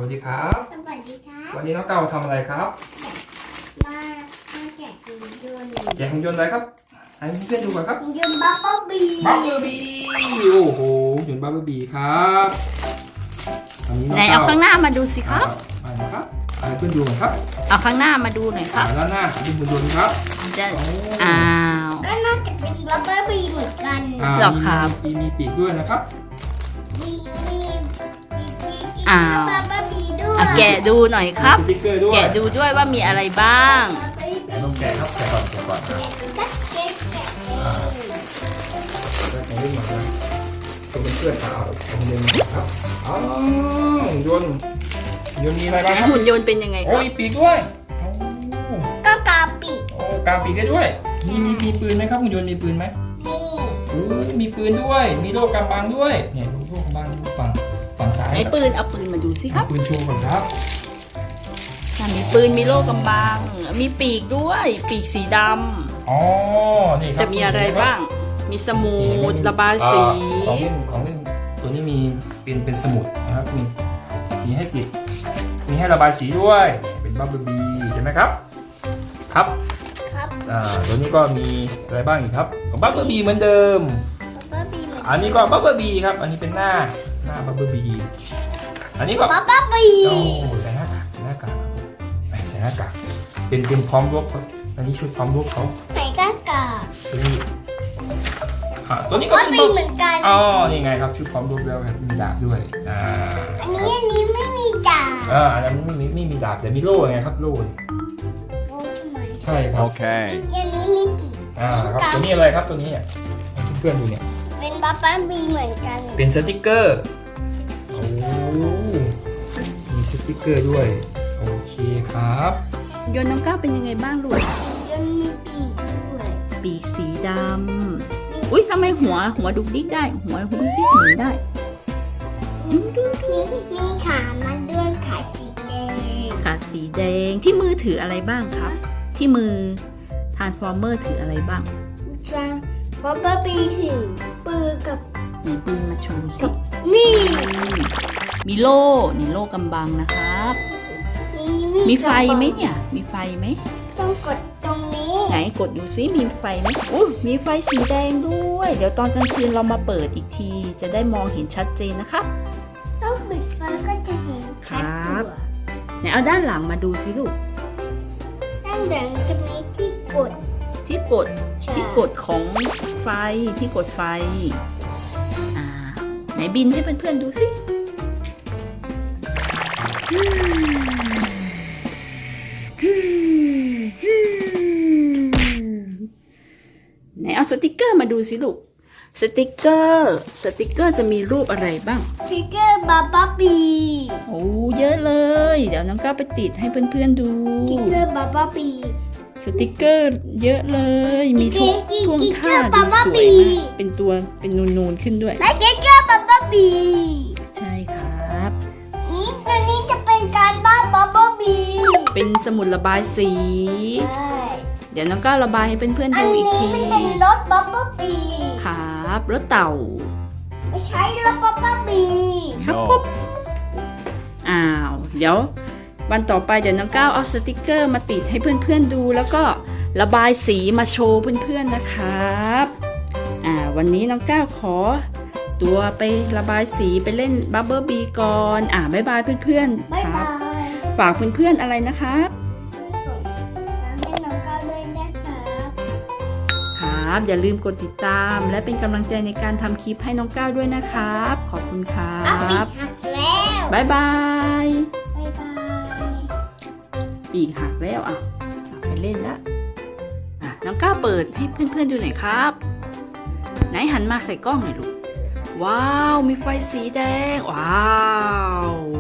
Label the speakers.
Speaker 1: วัสดีครับ
Speaker 2: สวัสดีครับ
Speaker 1: วันนี้น้องเก้าทำอะไรครับ
Speaker 2: มาแกะหุ่นยนต์
Speaker 1: แกะหุ่นยนต์อะไรครับให้เพื่อนๆดูก่อนครับ
Speaker 2: หุ่นยนต์บับเบิ้ลบี
Speaker 1: บับเบิลบีโอ้โหหุ่นยนต์บับเบิลบีครับอันนี้น้อง
Speaker 3: ไหน
Speaker 1: เก้า
Speaker 3: เอาข้างหน้ามาดูสิครับ
Speaker 1: มานะครับให้เพื่อนดูหน่อยครับ
Speaker 3: เอาข้างหน้ามาดูหน่อยครับ
Speaker 1: ด้านหน้าเป็นหุ่นยนต์ครับ
Speaker 3: จะ
Speaker 1: โอ้
Speaker 3: อ้าว
Speaker 2: ก็น่าจะเป็นบับเบิ้ลบีเหมือนกัน
Speaker 3: หรอครับ
Speaker 1: มีปีกด้วยนะครับ
Speaker 2: มี
Speaker 3: อ้าว
Speaker 2: บับเบิ้ลบีด้วย
Speaker 3: อ่ะแกะดูหน่อยครับ
Speaker 1: มีสติ๊กเกอร์ด้วย
Speaker 3: แกะดูด้วยว่ามีอะไรบ้าง
Speaker 1: ไหนลองแกะครับแกะก่อนนะ
Speaker 2: ก็แกะ
Speaker 1: แล้วแกะด้วยหน่อยนะตัวเป็นเพื่อนสาวหุ่นยนต์ครับอ๋อหุ่นยนต์มีอะไรบ้างครับ
Speaker 3: หุ่นยนต์เป็นยังไงค
Speaker 1: โอ้
Speaker 3: รับ
Speaker 1: ยปีกด้วยโอ้
Speaker 2: ก็กาปิ
Speaker 1: โอ้กลางปีกได้ด้วย มีปืนไหมครับหุ่นยนต์มีปืนไหม
Speaker 2: นี่
Speaker 1: โอ้มีปืนด้วย มีโล่กำบังด้วยเนี่ยโล่กำบังฝั่งซ้าย
Speaker 3: ไหนปืนเอาปืนมาดูสิครับ
Speaker 1: ปืนโชว์ก่อนครับ
Speaker 3: อ่ะมีปืนมีโล่กำบัง มีปีกด้วย ปีกสีด
Speaker 1: อ๋อนี่ค
Speaker 3: ำ
Speaker 1: รับ
Speaker 3: จะมีอะไรบ้าง มีสมุดระบายสี
Speaker 1: ของเล่นตัวนี้มีเป็นสมุดนะครับมีให้ติด มีให้ระบายสีด้วยเป็นบับเบิ้ลบีใช่ไหมครับครับ
Speaker 2: ครับ
Speaker 1: ตัวนี้ก็มีอะไรบ้างอีกครับบับเบิ้ลบีเหมือนเดิม
Speaker 2: บับเบิ้ลบีเหมือน
Speaker 1: อันนี้ก็บับเบิ้ลบีครับ อันนี้เป็นหน้าบับเบิ้ลบี อันนี้ก็
Speaker 2: บับเบิ้ลบี
Speaker 1: โอ้ใส่หน้ากากครับใส่หน้ากากเป็นพร้อมรบครับอันนี้ชุดพร้อมรบเขา
Speaker 2: ไหนก็กา
Speaker 1: ตัวนี้ตัวนี้ก็
Speaker 2: บับ
Speaker 1: เป็น
Speaker 2: เบิ้ลบีเหมือนกัน
Speaker 1: อ๋อนี่ไงครับชุดพร้อมรบแล้วครับมีดาบด้วย
Speaker 2: อันนี้ไม่มีจ่า
Speaker 1: อันนั้นไม่มีดาบแต่มีโล่ไงครับโล่
Speaker 2: โอ้ทำไม
Speaker 1: ใช่ครับ
Speaker 4: Okay.
Speaker 2: อันนี้มีปีก
Speaker 1: ครับตัวนี้อะไรครับตัวนี้เพื่อนๆดูเนี่ย
Speaker 2: เป็นบับเบิ้ลบีเหมือนกัน
Speaker 1: เป็นสติกเกอร์โอ้มีสติกเกอร์ด้วยโอเคครับ
Speaker 3: ยนต์น้องก้าวเป็นยังไงบ้างลูก
Speaker 2: ยังมีปีกด้วย
Speaker 3: ปีกสีดำอุ้ยทำไมหัวดุกดิกได้ หัวดุกดิกหมุนได้
Speaker 2: มีขามันด้วยขาสีแดง
Speaker 3: ขาสีแดงที่มือถืออะไรบ้างครับ ที่มือทานฟอร์เมอร์ถืออะไรบ้าง
Speaker 2: จังบับเบิ้ลบีถือปืนกับ
Speaker 3: ไหนปืนมาโชว์สิ
Speaker 2: มีด
Speaker 3: มีโล่นี่โล่กำบังนะครับ มีไฟไหมเนี่ย มีไฟไหม
Speaker 2: ต้องกดตรงนี้
Speaker 3: ไหนกดดูซิมีไฟไหมอุ้ยมีไฟสีแดงด้วย เดี๋ยวตอนกลางคืนเรามาเปิดอีกที จะได้มองเห็นชัดเจนนะคะ
Speaker 2: ต้องปิดไฟก็จะเห็นชัด
Speaker 3: ครับ
Speaker 2: ตัว
Speaker 3: ไหนเอาด้านหลังมาดูสิลูก
Speaker 2: ด้านหลังจะมีที่กด
Speaker 3: ที่กด ที่กดของไฟ ที่กดไฟ อ่า ไหนบินให้เพื่อนๆดูสิ ไหนเอาสติกเกอร์มาดูสิลูก สติกเกอร์จะมีรูปอะไรบ้าง
Speaker 2: ฟิกเกอร์บับเบิ้ลบี
Speaker 3: โอ้เยอะเลย เดี๋ยวน้องก้าวไปติดให้เพื่อนๆดู
Speaker 2: ฟิกเกอร์บับเบิ้ลบี
Speaker 3: สติกเกอร์เยอะเลย มีทุกท่วงท่าดูสวยมาก เป็นตัวเป็นนูนๆขึ้นด้วย
Speaker 2: และฟิกเกอร์บับเบิ้ลบี
Speaker 3: ใช่ครับ
Speaker 2: นี่ตัวนี้จะเป็นการบ้านบับเบิ้ลบี
Speaker 3: เป็นสมุดระบายสี
Speaker 2: ใช่
Speaker 3: เดี๋ยวน้องก้าวระบายให้เพื่อนๆ
Speaker 2: อัน
Speaker 3: ดูอี
Speaker 2: นี้
Speaker 3: กที
Speaker 2: มันเป็นรถบับเบิ้ลบี
Speaker 3: ครับรถเต่า
Speaker 2: ไม่ใช่รถบับเบิ้ลบี
Speaker 3: ครับ
Speaker 4: No.
Speaker 3: ปุ๊บอ้าว เดี๋ยววันต่อไปเดี๋ยวน้องก้าวเอาสติกเกอร์มาติดให้เพื่อนๆดู แล้วก็ระบายสีมาโชว์เพื่อนๆนะครับวันนี้น้องก้าวขอตัวไประบายสีไปเล่นบับเบิ้ลบีก่อนบ๊ายบายเพื่อนๆ
Speaker 2: บ๊าย
Speaker 3: ครับ
Speaker 2: บาย
Speaker 3: ฝากเพื่อนๆอะไรนะครับ
Speaker 2: ให้น้องก้าวด้วยนะครับ
Speaker 3: ครับ อย่าลืมกดติดตาม และเป็นกำลังใจในการทำคลิปให้น้องก้าวด้วยนะครับ ขอบคุณครั
Speaker 2: เอาปี
Speaker 3: บ
Speaker 2: กหักแล้ว
Speaker 3: บ๊ายบาย
Speaker 2: บ๊ายบาย
Speaker 3: ปีกหักแล้วไปเล่นละน้องก้าวเปิดให้เพื่อนๆดูหน่อยครับ ไหนหันมาใส่กล้องหน่อยลูก ว้าว มีไฟสีแดง ว้าว